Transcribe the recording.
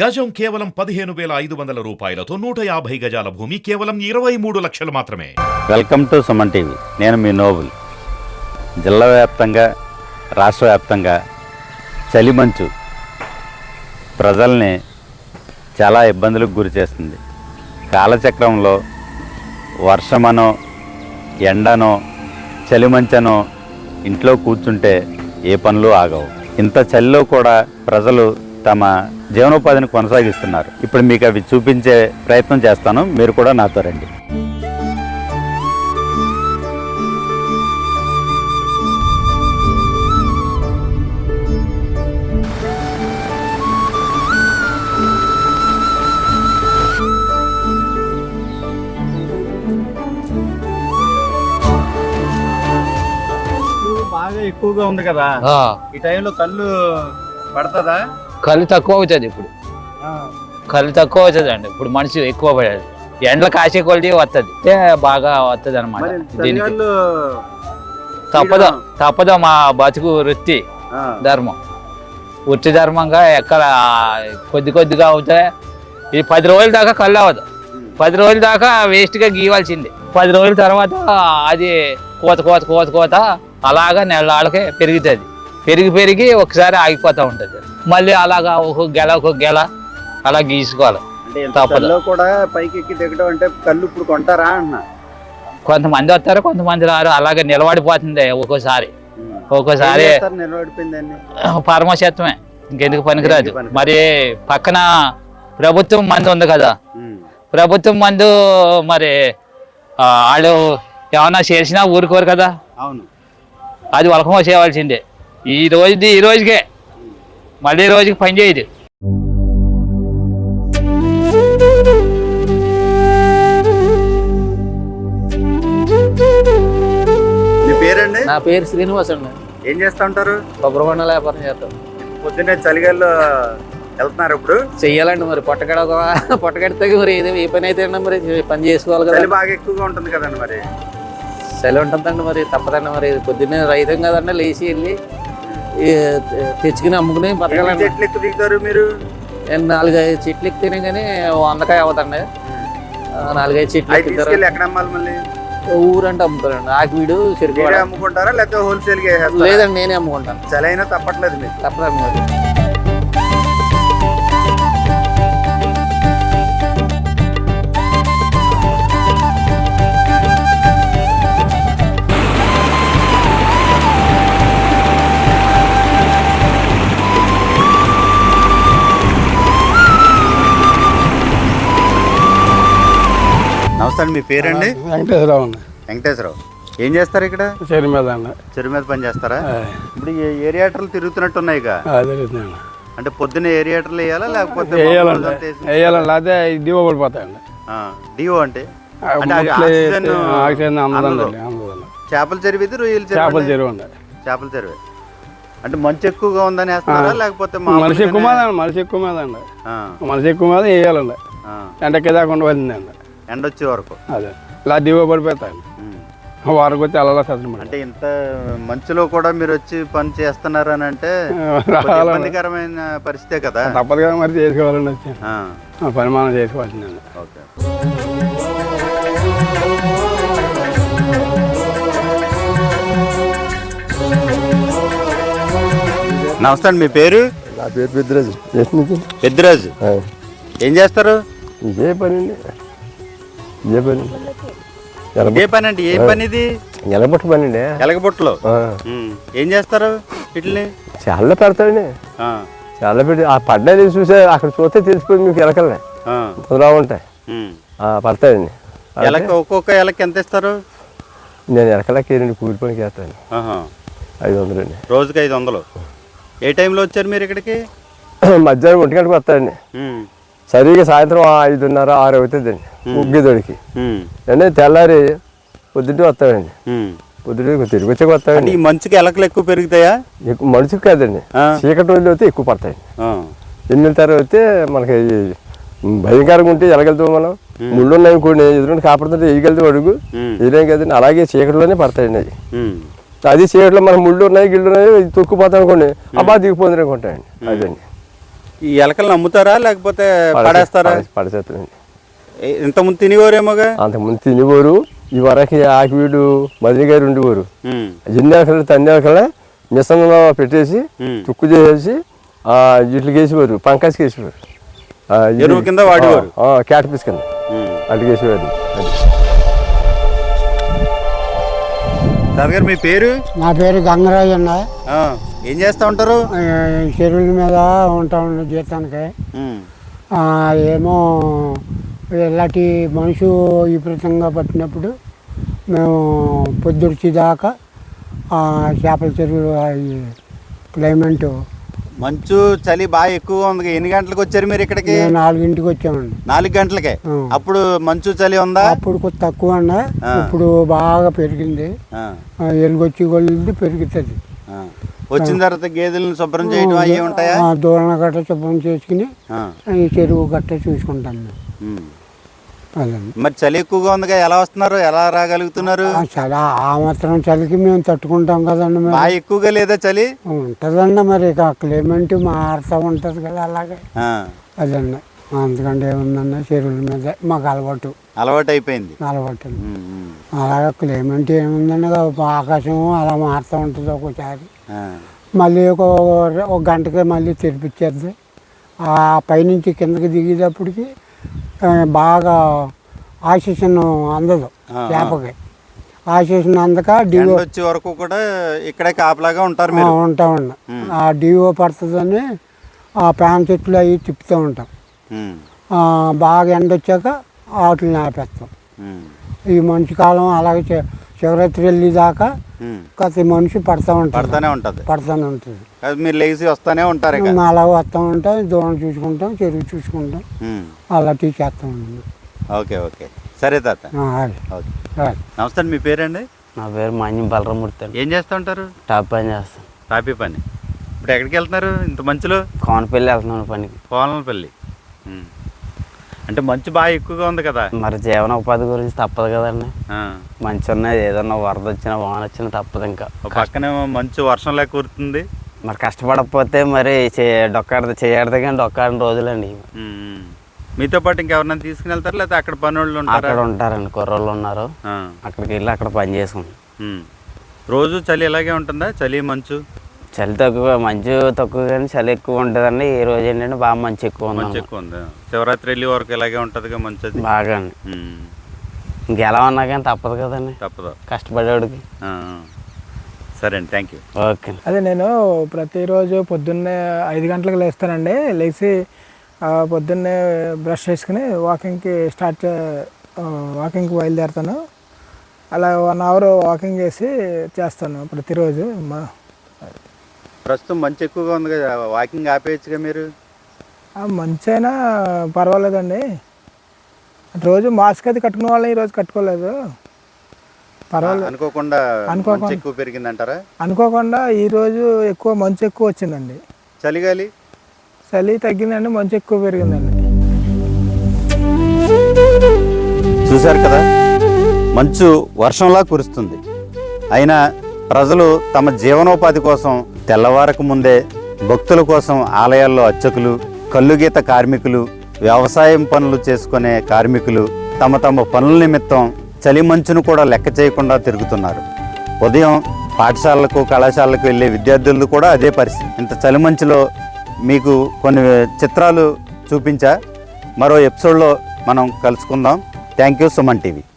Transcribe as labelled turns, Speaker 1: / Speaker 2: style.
Speaker 1: గజం కేవలం 15,500 రూపాయలతో 150 గజాల భూమి కేవలం 23 లక్షలు మాత్రమే.
Speaker 2: Welcome to Suman TV. నేను మీ నోబుల్. జిల్లా వ్యాప్తంగా రాష్ట్ర వ్యాప్తంగా చలిమంచు ప్రజల్ని చాలా ఇబ్బందులకు గురి చేస్తుంది. కాలచక్రంలో వర్షమనో ఎండనో చలిమంచనో ఇంట్లో కూర్చుంటే ఏ పనులు ఆగవు. ఇంత చలిలో కూడా ప్రజలు తమ జీవనోపాధిని కొనసాగిస్తున్నారు. ఇప్పుడు మీకు అవి చూపించే ప్రయత్నం చేస్తాను, మీరు కూడా నాతో రండి. బాగా ఎక్కువగా ఉంది కదా, ఈ టైంలో కళ్ళు పడుతుందా?
Speaker 3: కళ్ళు తక్కువ అవుతుంది. ఇప్పుడు కళ్ళు తక్కువ అవుతుంది అండి. ఇప్పుడు మనిషి ఎక్కువ పడేది ఎండల కాసే కొలిది వస్తుంది, బాగా వస్తుంది అనమాట. దీనికి తప్పదు మా బతుకు వృత్తి ధర్మం. వృత్తి ధర్మంగా ఎక్కడ కొద్దిగా అవుతాయి. ఇది 10 రోజుల దాకా కళ్ళు అవ్వదు. 10 రోజుల దాకా వేస్ట్గా గీవాల్సిందే. 10 రోజుల తర్వాత అది కోత అలాగా నెలకే పెరుగుతుంది. పెరిగి ఒకసారి ఆగిపోతూ ఉంటుంది. మళ్ళీ అలాగా ఒక గెల అలా గీసుకోవాలి.
Speaker 2: తప్పదు కూడా పైకి ఎక్కి దిగడం అంటే కళ్ళు ఇప్పుడు కొంటారా అన్న.
Speaker 3: కొంతమంది వస్తారు, కొంతమంది రారు. అలాగే నిలబడిపోతుంది ఒక్కోసారి
Speaker 2: నిలబడిపోయిందండి.
Speaker 3: పరమశత్వమే, ఇంకెందుకు పనికిరాదు. మరి పక్కన ప్రభుత్వం మందు ఉంది కదా, ప్రభుత్వం మందు మరి వాళ్ళు ఏమన్నా చేసినా ఊరుకోరు కదా.
Speaker 2: అవును,
Speaker 3: అది వలకమో చేయవలసిందే. ఈ రోజుకే మళ్ళీ రోజుకి పని చేయదు.
Speaker 2: మీ పేరండి?
Speaker 4: నా పేరు శ్రీనివాస్ అండి.
Speaker 2: ఏం చేస్తా ఉంటారు?
Speaker 4: కొబ్బరి బొండాల వ్యాపారం చేస్తాం.
Speaker 2: పొద్దున్నే చలిగాల్లో వెళ్తున్నారు. ఇప్పుడు
Speaker 4: చెయ్యాలండి, మరి పొట్టగడితే మరి ఏ పని అయితే మరి పని చేసుకోవాలి కదా.
Speaker 2: చలి బాగా ఎక్కువగా ఉంటుంది కదండి. మరి
Speaker 4: చలి ఉంటుందండి, మరి తప్పదండి. మరి పొద్దున్నే రైతం కదండి, లేచి వెళ్ళి తెచ్చుకుని అమ్ముకుని బతకాలండి.
Speaker 2: చెట్లు ఎక్కువ దిగుతారు మీరు?
Speaker 4: 4-5 చెట్లు ఎక్కితేనే కానీ 100కాయ అవుతండి. 4-5 చెట్లు ఎక్కుతారు.
Speaker 2: ఎక్కడ అమ్మాలి మళ్ళీ?
Speaker 4: ఊరంటే అమ్ముతారండి. ఆకివీడు చెరుకు
Speaker 2: అమ్ముకుంటారా లేకపోతే హోల్సేల్?
Speaker 4: లేదండి, నేనే అమ్ముకుంటాను.
Speaker 2: చలి అయినా తప్పట్లేదు మీకు?
Speaker 4: తప్పదండి. మరి
Speaker 2: నమస్తే అండి. మీ పేరండి?
Speaker 5: వెంకటేశ్వరరావు అండి.
Speaker 2: వెంకటేశ్వరరావు, ఏం చేస్తారు ఇక్కడ?
Speaker 5: చెరువు మీద అండి.
Speaker 2: చెరువు మీద పని చేస్తారా? ఇప్పుడు ఏరియాటర్లు తిరుగుతున్నట్టు ఉన్నాయి.
Speaker 5: తిరుగుతున్నాయండి.
Speaker 2: అంటే పొద్దున్న ఏరియాటర్లు వేయాలా లేకపోతే
Speaker 5: వేయాలండి? లేకపోతే డివో పడిపోతాయండి.
Speaker 2: డివో అంటే చేపల చెరువు ఇది, రొయ్యల
Speaker 5: చేపల చెరువు అండి.
Speaker 2: చేపల చెరువు అంటే మంచు ఎక్కువగా ఉందని వేస్తారా లేకపోతే
Speaker 5: మనిషి ఎక్కువ మీద అండి. మనిషి ఎక్కువ మీద వేయాలండి. ఎండకి దాకా ఉండవలసిందండి,
Speaker 2: ఎండ వచ్చే వరకు.
Speaker 5: అదే ఇలా డివో పడిపోతాయండి. వారికి వచ్చి అలా చదువు.
Speaker 2: అంటే ఇంత మంచులో కూడా మీరు వచ్చి పని చేస్తున్నారు అని అంటే ఇబ్బందికరమైన పరిస్థితే కదా.
Speaker 5: తప్పదు కదా, మరి చేసుకోవాలండి. వచ్చి పని మనం చేసుకోవాల్సిందండి.
Speaker 2: ఓకే. నమస్తే అండి. మీ పేరు?
Speaker 6: నా పేరు పెద్దరాజు.
Speaker 2: పెద్దరాజు, ఏం చేస్తారు?
Speaker 6: ఇదే పని అండి.
Speaker 2: ఏ పని అండి? ఏ పని ఇది?
Speaker 6: ఎలగబొట్టు పని అండి.
Speaker 2: ఎలగబొట్టులో ఏం చేస్తారు? వీటిని
Speaker 6: చాలా పెడతాడండి. చాలా పెట్టి ఆ పడ్డాయి చూసే అక్కడ చూస్తే తెలిసిపోయింది మీకు. ఎలకలనే కుదరా ఉంటాయి, పడతాయండి.
Speaker 2: ఒక్కొక్క ఎలకి ఎంత ఇస్తారు?
Speaker 6: నేను ఎలకలకి కూలి పనికి వేస్తాను. 500 అండి.
Speaker 2: రోజుకి 500. ఏ టైంలో వచ్చారు మీరు ఇక్కడికి?
Speaker 6: మధ్యాహ్నం 1 గంటకు వస్తాయండి. సరిగా సాయంత్రం 5:30, 6 అవుతుందండి ముగ్గిదొడికి. అంటే తెల్లారి పొద్దుటే వస్తామండి. పొద్దుటే తిరిగి వచ్చాక వస్తామండి.
Speaker 2: ఈ మంచుకి ఎలకలు ఎక్కువ పెరుగుతాయా?
Speaker 6: ఎక్కువ మనిషికి కాదండి, చీకటి రోజులు అయితే ఎక్కువ పడతాయండి. 8 తర్వాత అయితే మనకి భయంకరంగా ఉంటే ఎలగలుగుతాం మనం. ముళ్ళు ఉన్నాయి కొన్ని ఎదురుండి కాపాడుతుంటే వేయగలుగుతాం అడుగు. ఎదురేం కదండి, అలాగే చీకటిలోనే పడతాయండి. అది చీకటిలో మన ముళ్ళు ఉన్నాయి గిళ్ళు ఉన్నాయి తొక్కుపోతాం అనుకోండి, అబ్బా దిగిపోతుంది అనుకుంటాయండి. అదండి
Speaker 2: ఈ ఎలకలను అమ్ముతారా లేకపోతే పడేస్తారా?
Speaker 6: పడేస్తారండి.
Speaker 2: ఇంతకుముందు తినేవారేమోగా.
Speaker 6: అంతకుముందు తినేవారు. ఈ వరకు ఆకివీడు మదిని గారు ఉండేవారు. ఎన్ని ఎలకలు తన్ని ఎలకలే మిషన్లో పెట్టేసి తుక్కు చేసేసి ఇట్లకి వేసేవారు, పంకాసికి వేసేవారు.
Speaker 2: ఎరువు కింద వాడేవారు,
Speaker 6: క్యాట్ పీస్ కింద అట్లకి వేసేవారు.
Speaker 2: సార్ గారు మీ పేరు?
Speaker 7: నా పేరు గంగరాజు అన్న.
Speaker 2: ఏం చేస్తూ ఉంటారు?
Speaker 7: చెరువుల మీద ఉంటాం జీతానికి. ఏమో ఇలాంటి మనుషు విపరీతంగా పట్టినప్పుడు మేము పొద్దుర్చి దాకా చేపల చెరువులు క్లైమేట్
Speaker 2: మంచు చలి బాగా ఎక్కువగా ఉంది. ఎన్ని గంటలకు వచ్చారు మీరు ఇక్కడికి?
Speaker 7: 4ంటికి వచ్చామండి.
Speaker 2: 4 గంటలకే? అప్పుడు మంచు చలి ఉందా?
Speaker 7: అప్పుడు కొంచెం తక్కువ అన్న, ఇప్పుడు బాగా పెరిగింది. ఎలుగొచ్చి కొలిది పెరుగుతుంది.
Speaker 2: వచ్చిన తర్వాత గేదెలను శుభ్రం చేయడం అవి ఉంటాయా?
Speaker 7: దూరణ గట్ట శుభ్రం చేసుకుని ఈ చెరువు గట్ట చూసుకుంటాం మేము. అదండి.
Speaker 2: మరి చలి ఎక్కువగా ఉందిగా, ఎలా వస్తున్నారు, ఎలా రాగలుగుతున్నారు?
Speaker 7: చాలా ఆ మాత్రం చలికి మేము తట్టుకుంటాం కదండి.
Speaker 2: బాగా ఎక్కువగా లేదా చలి?
Speaker 7: ఉంటుందండి, మరి ఇక క్లైమేట్ మారుతూ ఉంటుంది కదా అలాగే. అదండి, అందుకంటే ఏముందన్న చెరువుల మీద మాకు అలవాటు
Speaker 2: అయిపోయింది.
Speaker 7: అలాగే క్లైమేట్ ఏముందండి, ఆకాశం అలా మారుతూ ఉంటుంది. ఒక్కోసారి మళ్ళీ ఒక గంటకి మళ్ళీ తెరిపించేద్ది. ఆ పైనుంచి కిందకి దిగేటప్పటికి బాగా ఆక్సిజన్ అందదు చేపకి. ఆక్సిజన్ అందక డివో
Speaker 2: వచ్చే వరకు కూడా ఇక్కడే కాపలాగా ఉంటారు.
Speaker 7: ఉంటామండి. ఆ డివో పడుతుందని ఆ ప్యాన్ చెట్లు అవి తిప్పుతూ ఉంటాం. బాగా ఎండ వచ్చాక వాటిని ఆపేస్తాం. ఈ మనిషి కాలం అలాగే శివరాత్రి వెళ్ళేదాకా ప్రతి మనిషి పడుతూనే ఉంటుంది.
Speaker 2: మీరు లేచి వస్తూనే ఉంటారు,
Speaker 7: అలా వస్తూ ఉంటాం. దూరం చూసుకుంటాం, చెరువు చూసుకుంటాం, అలా టీ చేస్తూ ఉంటాం.
Speaker 2: ఓకే ఓకే, సరే తాత. నమస్తే, మీ పేరండి?
Speaker 4: నా పేరు మాన్యం బలరామూర్తి అండి.
Speaker 2: ఏం చేస్తూ ఉంటారు?
Speaker 4: టాప్ పని చేస్తాను.
Speaker 2: టాపీ పని. ఇప్పుడు ఎక్కడికి వెళ్తున్నారు ఇంత మంచులో?
Speaker 4: కోనపల్లి వెళ్తున్నాను పనికి.
Speaker 2: కోనపల్లి అంటే మంచు బాగా ఎక్కువగా ఉంది కదా,
Speaker 4: మరి జీవనోపాధి గురించి తప్పదు కదండి. మంచి ఉన్నది, ఏదన్నా వరద వచ్చినా వాన వచ్చినా తప్పదు. ఇంకా
Speaker 2: పక్కనే మంచు వర్షంలా కూరుతుంది.
Speaker 4: మరి కష్టపడకపోతే మరి చేయడదు కానీ డొక్కాడిన రోజులండి.
Speaker 2: మీతో పాటు ఇంకెవరన్నా తీసుకుని వెళ్తారు లేదా అక్కడ పని వాళ్ళు ఉంటారు?
Speaker 4: అక్కడ ఉంటారండి, కుర్రోళ్ళు ఉన్నారు. అక్కడికి వెళ్ళి అక్కడ పని చేసుకుంటాం.
Speaker 2: రోజు చలి ఇలాగే ఉంటుందా? చలి మంచు?
Speaker 4: చలి తక్కువ, మంచు తక్కువ కానీ చలి ఎక్కువ ఉంటుందండి. ఈ రోజు ఏంటంటే బాగా మంచి ఎక్కువ
Speaker 2: ఉంది. శివరాత్రి వెళ్ళి వరకు ఇలాగే ఉంటుంది మంచి
Speaker 4: బాగా. ఇంకెలా ఉన్నా కానీ తప్పదు కదండి,
Speaker 2: తప్పదు
Speaker 4: కష్టపడేవాడికి.
Speaker 2: సరే అండి, థ్యాంక్ యూ.
Speaker 4: ఓకే.
Speaker 5: అదే నేను ప్రతిరోజు పొద్దున్నే 5 గంటలకు లేస్తానండి. లేచి పొద్దున్నే బ్రష్ చేసుకుని వాకింగ్కి బయలుదేరుతాను. అలా 1 అవర్ వాకింగ్ చేస్తాను ప్రతిరోజు.
Speaker 2: ప్రస్తుతం మంచి ఎక్కువగా ఉంది కదా, వాకింగ్ ఆపేయచ్చుగా మీరు?
Speaker 5: మంచి అయినా పర్వాలేదండి. రోజు మాస్క్ అది కట్టుకునే వాళ్ళని ఈరోజు కట్టుకోలేదు. పర్వాలేదు.
Speaker 2: అనుకోకుండా ఎక్కువ పెరిగిందంటారా?
Speaker 5: అనుకోకుండా ఈరోజు మంచు ఎక్కువ వచ్చిందండి.
Speaker 2: చలి
Speaker 5: తగ్గిందండి, మంచు ఎక్కువ పెరిగిందండి.
Speaker 2: చూశారు కదా, మంచు వర్షంలా కురుస్తుంది. అయినా ప్రజలు తమ జీవనోపాధి కోసం తెల్లవారకు ముందే భక్తుల కోసం ఆలయాల్లో అర్చకులు, కల్లుగీత కార్మికులు, వ్యవసాయం పనులు చేసుకునే కార్మికులు తమ పనుల నిమిత్తం చలి మంచును కూడా లెక్క చేయకుండా తిరుగుతున్నారు. ఉదయం పాఠశాలలకు, కళాశాలకు వెళ్ళే విద్యార్థులు కూడా అదే పరిస్థితి. ఇంత చలి మంచులో మీకు కొన్ని చిత్రాలు చూపించా. మరో ఎపిసోడ్లో మనం కలుసుకుందాం. Thank you, Suman TV.